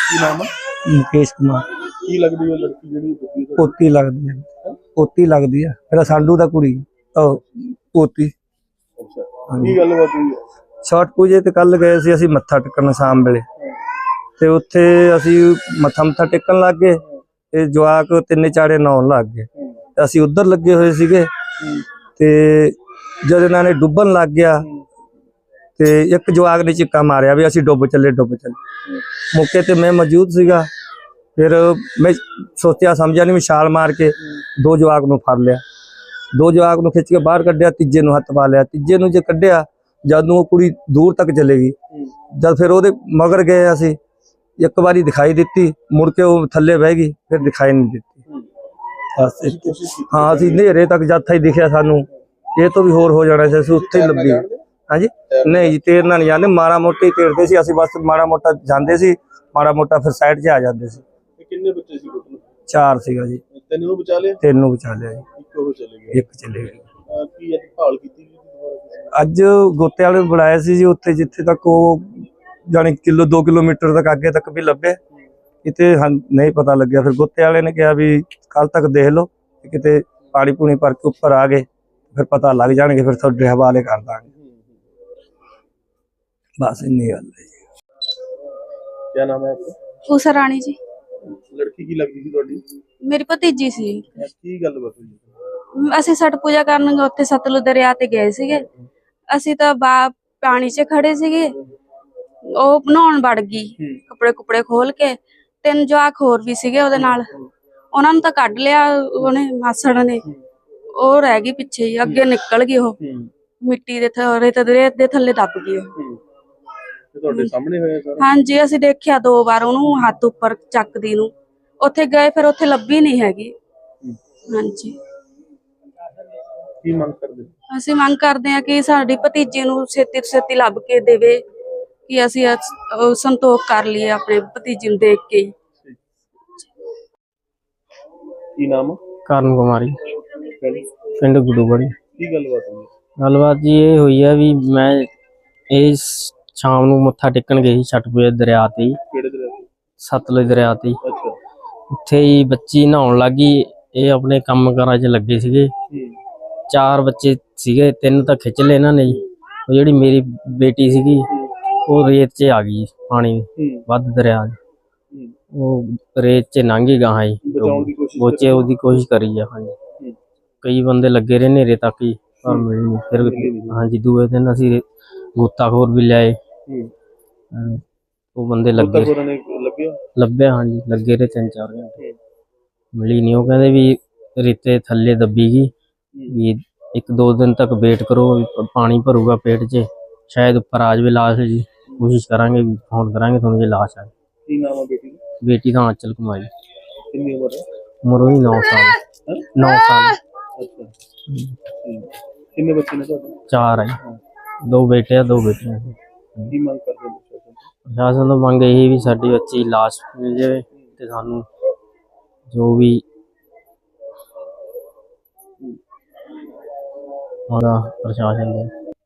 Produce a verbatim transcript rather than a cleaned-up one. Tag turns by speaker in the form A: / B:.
A: ਕੀ ਨਾਮ ਹੈ?
B: मुकेश कुमार।
A: ਕੀ ਲੱਗਦੀ ਹੈ ਲੜਕੀ ਜਿਹੜੀ ਡੁੱਬੀ ਤੁਹਾਡੀ?
B: पोती लगदी है, पोती लगदी है मेरा साडू दा कुड़ी ओ पोती।
A: ਅੱਛਾ ਕੀ ਗੱਲਬਾਤ ਹੋਈ ਹੈ?
B: छठ पूजे ते कल गए सी असीं मत्था टेकण शाम वेले ते उत्थे असीं मत्था मत्था टेकण लग गए ते जवाक तिन्ने चाड़े नहाउण लग गए ते असीं उधर लगे होए सीगे ते जद इन्हां ने डुब्बन लग गया ते एक जवाक ने चिक्का मारिया भी असीं डुब चले डुब चले। मौके ते मैं मौजूद सीगा, फिर मैं सोचा समझा नहीं, मैं छाल मार के दो जवाक नूं फड़ लिया, दो जवाक नूं खिच के बाहर कढ़िया, तीजे नूं हत्थ पा लिया, तीजे नूं जे कढ़िया जद वो कुड़ी दूर तक चलेगी, जद फिर ओहदे मगर गए असीं एक बारी दिखाई दित्ती, मुड़ के वो थल्ले बह गई, फिर दिखाई नहीं दित्ती। हाँ असीं नेरे तक जद ही दिखिया सानूं ये तो भी होर हो जाना सी, असीं उत्थे ही लभी। हाँ जी नहीं जी तैरना नहीं जाते, माड़ा मोटा ही तैरते सी असीं, बस माड़ा मोटा जांदे सी, माड़ा मोटा फिर साइड 'च आ जांदे सी।
A: ਕਿੰਨੇ ਬੱਚੇ ਸੀ ਟੋਟਲ?
B: चार सीगा जी।
A: ਤਿੰਨ ਨੂੰ ਬਚਾ ਲਿਆ?
B: तीन नूं बचा लिया जी,
A: ਇੱਕ ਉਹ चले गए।
B: एक चले गए।
A: ਅਹ ਕੀ ਅੱਜ ਭਾਲ ਕੀਤੀ ਗਈ ਦੁਬਾਰਾ ਕਿਸੇ ਨੇ?
B: ਅੱਜ ਗੋਤੇ ਵਾਲੇ ਨੂੰ ਬੁਲਾਇਆ ਸੀ ਜੀ, ਉੱਥੇ ਜਿੱਥੇ ਤੱਕ ਉਹ ਜਾਣੀ ਕਿਲੋ ਦੋ ਕਿਲੋਮੀਟਰ ਤੱਕ ਅੱਗੇ ਤੱਕ ਵੀ ਲੱਭੇ, ਕਿਤੇ ਨਹੀਂ ਪਤਾ ਲੱਗਿਆ। ਫਿਰ ਗੋਤੇ ਵਾਲੇ ਨੇ ਕਿਹਾ ਵੀ ਕੱਲ ਤੱਕ ਦੇਖ ਲਓ, ਕਿਤੇ ਪਾਣੀ ਪੂਣੀ ਭਰ ਕੇ ਉੱਪਰ ਆ ਗਏ ਫਿਰ ਪਤਾ ਲੱਗ ਜਾਣਗੇ, ਫਿਰ ਤੁਹਾਡੇ ਹਵਾਲੇ ਕਰ ਦਾਂਗੇ। बस इन्नी गल है जी।
A: क्या नाम है आपका?
C: ऊषा रानी जी।
A: लड़की की लगदी सी ਤੁਹਾਡੀ?
C: मेरी भतीजी सी।
A: ਕੀ ਗੱਲਬਾਤ ਹੋਈ?
C: ਅਸੀਂ ਛठ ਪੂਜਾ ਕਰਨ ਉੱਥੇ ਸਤਲੁਜ ਦਰਿਆ ਤੇ ਗਏ ਸੀਗੇ, ਅਸੀਂ ਤਾਂ ਬਾ ਪਾਣੀ 'ਚ ਖੜੇ ਸੀਗੇ, ਉਹ ਨਹਾਉਣ ਵੜ ਗਈ ਕੱਪੜੇ ਕੁਪੜੇ ਖੋਲ ਕੇ, ਤਿੰਨ ਜਵਾਕ ਹੋਰ ਵੀ ਸੀਗੇ ਉਹਦੇ ਨਾਲ, ਉਹਨਾਂ ਨੂੰ ਤਾਂ ਕੱਢ ਲਿਆ ਉਹਨੇ ਮਾਸੜ ਨੇ, ਉਹ ਰਹਿ ਗਈ ਪਿੱਛੇ ਹੀ, ਅੱਗੇ ਨਿਕਲ ਗਈ ਉਹ ਮਿੱਟੀ ਦੇ ਥੱਲੇ ਤੇ ਰੇਤ ਦੇ ਥੱਲੇ ਦੱਬ ਗਈ ਉਹ।
A: ਤੁਹਾਡੇ ਸਾਹਮਣੇ ਹੋਇਆ ਸਾਰਾ?
C: ਹਾਂਜੀ ਅਸੀਂ ਦੇਖਿਆ ਦੋ ਵਾਰ ਉਹਨੂੰ ਹੱਥ ਉੱਪਰ ਚੱਕਦੀ ਨੂੰ, ਉੱਥੇ ਗਏ ਫਿਰ ਉੱਥੇ ਲੱਭੀ ਨਹੀਂ ਹੈਗੀ। ਹਾਂਜੀ
A: ਕੀ ਮੰਗ ਕਰਦੇ?
C: ਅਸੀਂ ਮੰਗ ਕਰਦੇ ਹਾਂ ਕਿ ਸਾਡੀ ਭਤੀਜੀ ਨੂੰ ਛੇਤੀ ਤੋਂ ਛੇਤੀ ਲੱਭ ਕੇ ਦੇਵੇ, ਕਿ ਅਸੀਂ ਸੰਤੋਖ ਕਰ ਲਈਏ ਆਪਣੇ ਭਤੀਜੀ ਨੂੰ ਦੇਖ ਕੇ।
A: ਕੀ ਨਾਮ?
D: ਕਰਨ ਕੁਮਾਰੀ, ਪਿੰਡ ਗੁੱਡੂਗੜ੍ਹੀ।
A: ਕੀ ਗੱਲਬਾਤ ਹੋਈ?
D: ਗੱਲਬਾਤ ਜੀ ਇਹ ਹੋਈ ਹੈ ਵੀ ਮੈਂ ਇਹ ਸ਼ਾਮ ਨੂੰ ਮੱਥਾ ਟੇਕਣ ਗਈ ਸੀ ਛਠ ਪੂਜਾ ਦਰਿਆ ਤੇ।
A: ਕਿਹੜੇ ਦਰਿਆ ਤੇ?
D: ਸਤਲੁਜ ਦਰਿਆ ਤੇ।
A: ਅੱਛਾ।
D: ਉੱਥੇ ਹੀ ਬੱਚੀ ਨਹਾਉਣ ਲੱਗੀ, ਇਹ ਆਪਣੇ ਕੰਮ ਕਾਰਾਂ 'ਚ ਲੱਗੇ ਸੀਗੇ, ਚਾਰ ਬੱਚੇ ਸੀਗੇ, ਤਿੰਨ ਤਾਂ ਖਿੱਚ ਲਏ ਇਹਨਾਂ ਨੇ ਜੀ। ਉਹ ਜਿਹੜੀ ਮੇਰੀ ਬੇਟੀ ਸੀਗੀ ਉਹ ਰੇਤ 'ਚ ਆ ਗਈ, ਪਾਣੀ ਵੱਧ ਦਰਿਆ 'ਚ, ਉਹ ਰੇਤ 'ਚ ਲੰਘ ਗਈ ਗਾਹਾਂ ਜੀ, ਬੋਚੇ ਉਹਦੀ ਕੋਸ਼ਿਸ਼ ਕਰੀ ਆ। ਹਾਂਜੀ ਕਈ ਬੰਦੇ ਲੱਗੇ ਰਹੇ ਨੇਰੇ ਤੱਕ ਹੀ ਪਰ ਮਿਲੀ ਨਹੀਂ। ਫਿਰ ਹਾਂਜੀ ਦੂਏ ਦਿਨ ਅਸੀਂ ਗੋਤਾਖੋਰ ਵੀ ਲਿਆਏ, ਉਹ ਬੰਦੇ ਲੱਗੇ ਲੱਭਿਆ। ਹਾਂਜੀ ਲੱਗੇ ਰਹੇ ਤਿੰਨ ਚਾਰ ਘੰਟੇ, ਮਿਲੀ ਨਹੀਂ। ਉਹ ਕਹਿੰਦੇ ਵੀ ਰੇਤੇ ਥੱਲੇ ਦੱਬੀ ਗਈ, ਵੀ ਇੱਕ ਦੋ ਦਿਨ ਤੱਕ ਵੇਟ ਕਰੋ, ਪਾਣੀ ਭਰੂਗਾ ਪੇਟ 'ਚ, ਸ਼ਾਇਦ ਉੱਪਰ ਆ ਜਾਵੇ ਲਾਸ਼ ਜੀ, ਕੋਸ਼ਿਸ਼ ਕਰਾਂਗੇ ਵੀ ਫੋਨ ਕਰਾਂਗੇ ਤੁਹਾਨੂੰ ਜੇ ਲਾਸ਼ ਆਏ।
A: ਕੀ ਨਾਮ ਹੈ ਬੇਟੀ ਦਾ?
D: ਬੇਟੀ ਦਾ ਆਂਚਲ ਕੁਮਾਰੀ।
A: ਕਿੰਨੀ ਉਮਰ ਹੈ?
D: ਉਮਰ ਉਹਦੀ ਨੌ ਸਾਲ। ਨੌ ਸਾਲ।
A: ਅੱਛਾ ਕਿੰਨੇ ਬੱਚੇ ਨੇ ਤੁਹਾਡੇ?
D: ਚਾਰ ਹੈ, ਦੋ ਬੇਟੇ ਆ ਦੋ ਬੇਟੀਆਂ।
A: ਕੀ ਮੰਗ ਕਰਦੇ ਹੋ?
D: ਪ੍ਰਸ਼ਾਸਨ ਤੋਂ ਮੰਗ ਇਹੀ ਵੀ ਸਾਡੀ ਬੱਚੀ ਲਾਸ਼ ਮਿਲ ਜਾਵੇ ਤੇ ਸਾਨੂੰ ਜੋ ਵੀ ਉਹਦਾ ਪ੍ਰਸ਼ਾਸਨ ਦੇ